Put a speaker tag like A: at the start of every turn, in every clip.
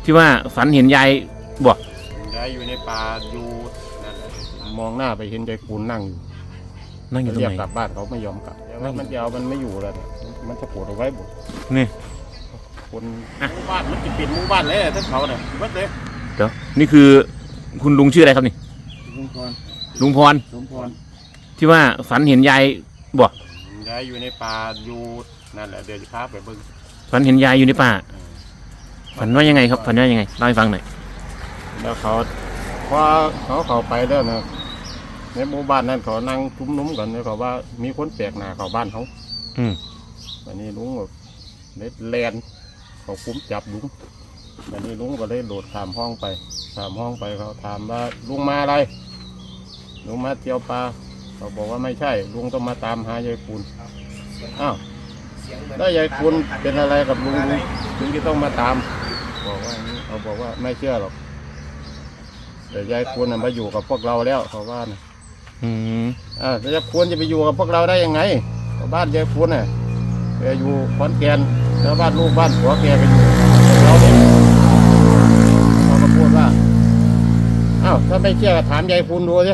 A: ที่ว่าฝันเห็นยายบอก
B: ยายอยู่ในป่าอยู่นั่นแหละมองหน้าไปเห็นยายคูณนั่งอยู่
A: ตรงไหน
B: เรียกกลับบ้านเขาไม่ยอมกลับแล้วมันจะเอามันไม่อยู่แล้วเนี่ยมันจะปวดเอาไว้บุก
A: นี่
B: คนหมู่บ้านมันจะปิดหมู่บ้านเลยทั้งเขาเนี่ยวัดเลย
A: เดี๋ยวนี่คือคุณลุงชื่ออะไรครับนี่
B: ลุงพร
A: สมพรที่ว่าฝันเห็นยายบอก
B: ยายอยู่ในป่าอยู่นั่นแหละเดี๋ยวจะพาไปเบิ่ง
A: ฝันเห็นยายอยู่ในป่าฝันว่ายังไงครับฝันว่ายังไงเล่าให้ฟังหน่อย
B: แล้วเขาพอเขาไปแล้วนะในหมู่บ้านนั้นเขานั่งชุมนุมกันเลยเขาว่ามีคนแปลกหน้าเขาบ้านเขาวันนี้ลุงแบบแลนเขาคุ้มจับลุงวันนี้ลุงก็เลยโดดข้ามห้องไปเขาถามว่าลุงมาอะไรลุงมาเที่ยวปลาเขาบอกว่าไม่ใช่ลุงต้องมาตามหายายคูณอ้าวแล้วยายคูณเป็นอะไรกับลุงถึงที่ต้องมาตามบอกว่าอย่างนี้เขาบอกว่าไม่เชื่อหรอกแต่ยายคูณมาอยู่กับพวกเราแล้วเขาว่านะแล้วยายคูณจะไปอยู่กับพวกเราได้ยังไงบ้านยายคูณเนี่ยแกอยู่ขอนแก่นแล้วบ้านลูกบ้านผัวแกไปอยู่เราเนี่ยเขาก็พูดว่าอ้าวถ้าไม่เชื่อถามยายคูณดูสิ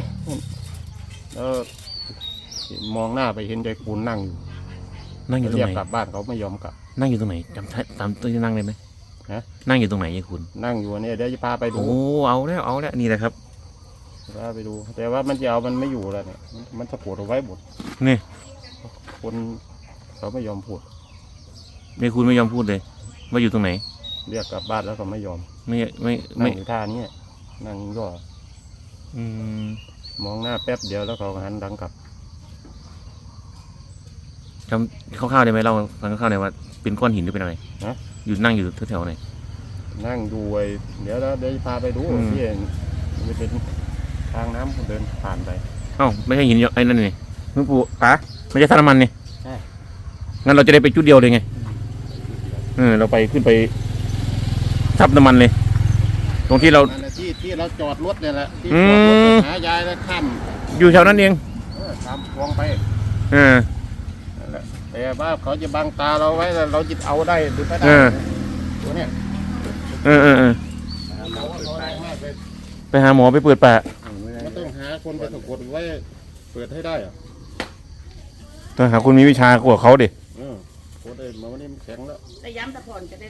B: มองหน้าไปเห็นยายคูณนั่งอยู่ตรงไหนเรียกกลับบ้านเขาไม่ยอมกลับ
A: นั่งอยู่ตรงไหนจำตามตัวที่นั่งได้ไหมนั่งอยู่ตรงไหนยายคูณ
B: นั่งอยู่เนี่ยเดี๋ยวจะพาไปดู
A: โอ้เอาแล้วนี่แหละครับ
B: พาไปดูแต่ว่ามันจะเอามันไม่อยู่แล้วเนี่ยมันจะปวดเอาไว้หมด
A: นี่
B: คนเขาไม่ยอมพูด
A: ยายคูณไม่ยอมพูดเลยว่าอยู่ตรงไหน
B: เรียกกลับบ้านแล้วเขาไม่ยอม
A: ไม่
B: อยู่ท่านี้นั่งย่อมองหน้าแป๊บเดียวแล้วเขาหันหลังกลับ
A: จำคร่าวๆได้ไหมเราฟังคร่าวๆหน่อยว่าเป็นก้อนหินหรือเป็นอะไรอยู่นั่งอยู่แถวๆไหน
B: นั่งดูไอ้เดี๋ยวพาไปดูที่มันเป็นทางน้ำเดินผ่านไป
A: ไม่ใช่หินไอ้นั่นนี่มึงปู่ไม่ใช่ท่าน้ำมันนี่ใช่งั้นเราจะได้ไปจุดเดียวเลยไงเราไปขึ้นไปทับน้ำมันเลยตรงที่เรา
B: ที่เราจอดรถเนี่ยแหละที่จอดรถหายายแล้วข้าม
A: อยู่แถวนั้นเอง
B: ข้ามคลองไปแต่ว่าเขาจะบังตาเราไว้เราจะเอาได้หรือไม่ได้ตัวเนี้ย
A: ไปหาหมอไปเปิดปาก
B: มันต้องหาคนไปสะกดไว้เปิดให้ได้อะ
A: ต้องหาคนมีวิชากว่าเขาดิ
B: โคตรเลยมันนี่แข็งแล้ว
C: แต่ย้ำตะพอนจะได้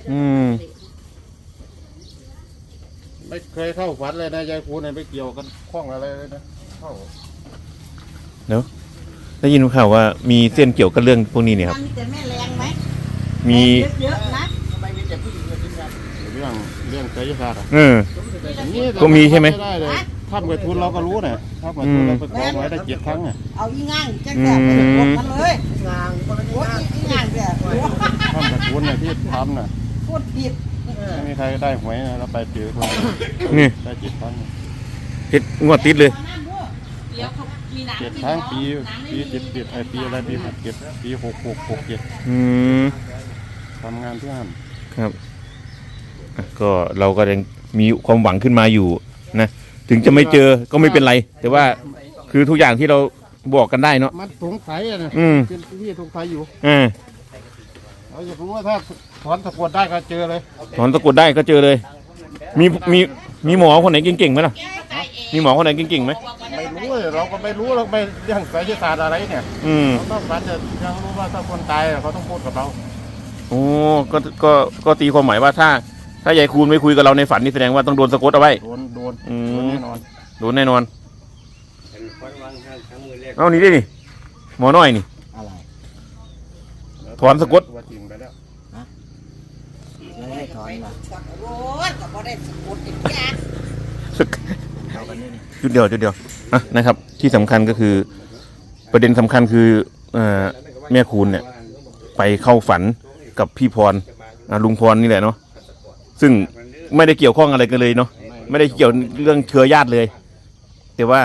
B: ไม่เคยเข้าฝันเลยนะยายคูณเนี่ยไปเกี่ยวกันคล้องอะไรเลยนะเข้า
A: เนาะได้ยินข่าวว่ามีเส้นเกี่ยวกับเรื่องพวกนี้เนี่ยครับ
C: มีแต่แม่แรงไหม
A: มี
C: เยอะนะ
B: ทำไมมีแต่ผู้หญิงเรื่องไสยศาสตร์
A: ก็มีใช่ไหม
B: ถ้ำกับทุนเราก็รู้นะถ้ำกับทุนเราไปกองไว้ได้7 ครั้งอ่ะ
C: เอาอีง่างจังแบบไปกดมันเลยงางคนละง่างแบบ
B: ถ้ำกับทุนเนี่ยที่ทำน่ะ
C: พูดผิด
B: ไม่มีใครได้หวยนะเราไปเจอคน
A: นี่
B: ได้7 ครั้ง
A: ติดงวดติดเลย
B: 7 ครั้งปี77ปีอะไรปี67ปี66 67ทำงานที่ห้ำ
A: ครับก็เราก็ยังมีความหวังขึ้นมาอยู่นะถึงจะไม่เจอก็ไม่เป็นไรแต่ว่าคือทุกอย่างที่เราบอกกันได้เนาะ
B: มันสงสัยนะเป็นที่สงสัยอยู่เราอยากรู้ว่าถ้าถอนตะกรวดได้ก็เจอเลย
A: ถอนตะกรวดได้ก็เจอเลยมีหมอคนไหนเก่งๆไหมล่ะมีหมอคนไหนเก่งๆไหม
B: ไม่รู้เราก็ไม่รู้เราไม่เรื่องไสยศาสตร์อะไรเนี่ยเราต้องการจะยังรู้ว่าถ้าคนตายเขาต้องพูดกับเรา
A: โอ้ก็ตีความหมายว่าถ้ายายคูณไม่คุยกับเราในฝันนี่แสดงว่าต้องโดนสะกดเอาไว้
B: โดนแน่นอน
A: โดนแน่นอนเอานี่ดินี่หมอน้อยนี่
C: อะไร
A: ถอนสะกด
C: ไม่ได้ถอนหรอโอ้ยก็บ่ได้สะกดอีกอย่าง
A: จุดเดียวนะครับที่สำคัญก็คือประเด็นสำคัญคือแม่คูณเนี่ยไปเข้าฝันกับพี่พรลุงพรนี่แหละเนาะซึ่งไม่ได้เกี่ยวข้องอะไรกันเลยเนาะไม่ได้เกี่ยวเรื่องเชื้อญาติเลยแต่ว่า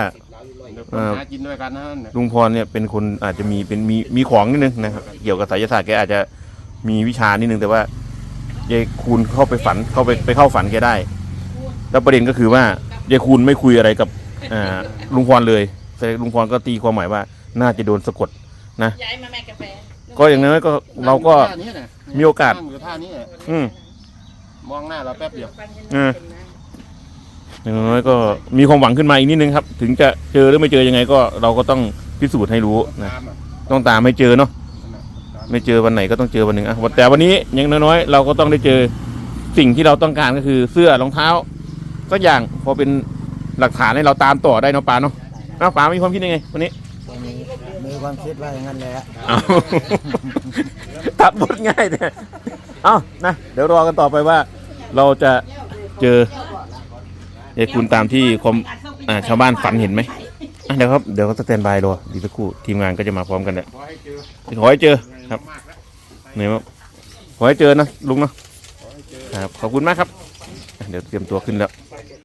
A: ลุงพรเนี่ยเป็นคนอาจจะมีของนิดนึงนะครับเกี่ยวกับไสยศาสตร์แกอาจจะมีวิชานิดนึงแต่ว่ายายคูณเข้าไปฝันไปเข้าฝันแกได้แล้วประเด็นก็คือว่ายายคูณไม่คุยอะไรกับลุงพรเลยแต่ลุงพรก็ตีความหมายว่าน่าจะโดนสะกดนะก็อย่างนั้นก็เราก็มีโอกาส
B: มองหน้าเราแป๊บเดียว
A: อย่างน้อยก็มีความหวังขึ้นมาอีกนิดนึงครับ ถึงจะเจอหรือไม่เจอยังไงก็เราก็ต้องพิสูจน์ให้รู้นะ
B: ตามอ่ะ
A: ต้องตามให้เจอเนาะไม่เจอวันไหนก็ต้องเจอวันหนึ่งอ่ะแต่วันนี้อยังน้อยๆเราก็ต้องได้เจอสิ่งที่เราต้องการก็คือเสื้อรองเท้าสักอย่างพอเป็นหลักฐานให้เราตามต่อได้เนาะปาเนาะปามีความคิดยังไงวันนี้
C: มีความคิดว่าอย่างนั้นแหละ
A: เอาตัดบทง่ายเนี่ยเอานะเดี๋ยวรอกันต่อไปว่าเราจะเจอยายคุณตามที่ชาวบ้านฝันเห็นไหมอ่ะเดี๋ยวเขาสแตนบายรอดีสักครู่ทีมงานก็จะมาพร้อมกันแหละ
B: ขอให้เจอ
A: ขอให้เจอครับ
B: มากแล้ว
A: เหนื่อยมากขอให้เจอนะลุงเนาะครับขอบคุณมากครับอ่ะเดี๋ยวเตรียมตัวขึ้นแล้ว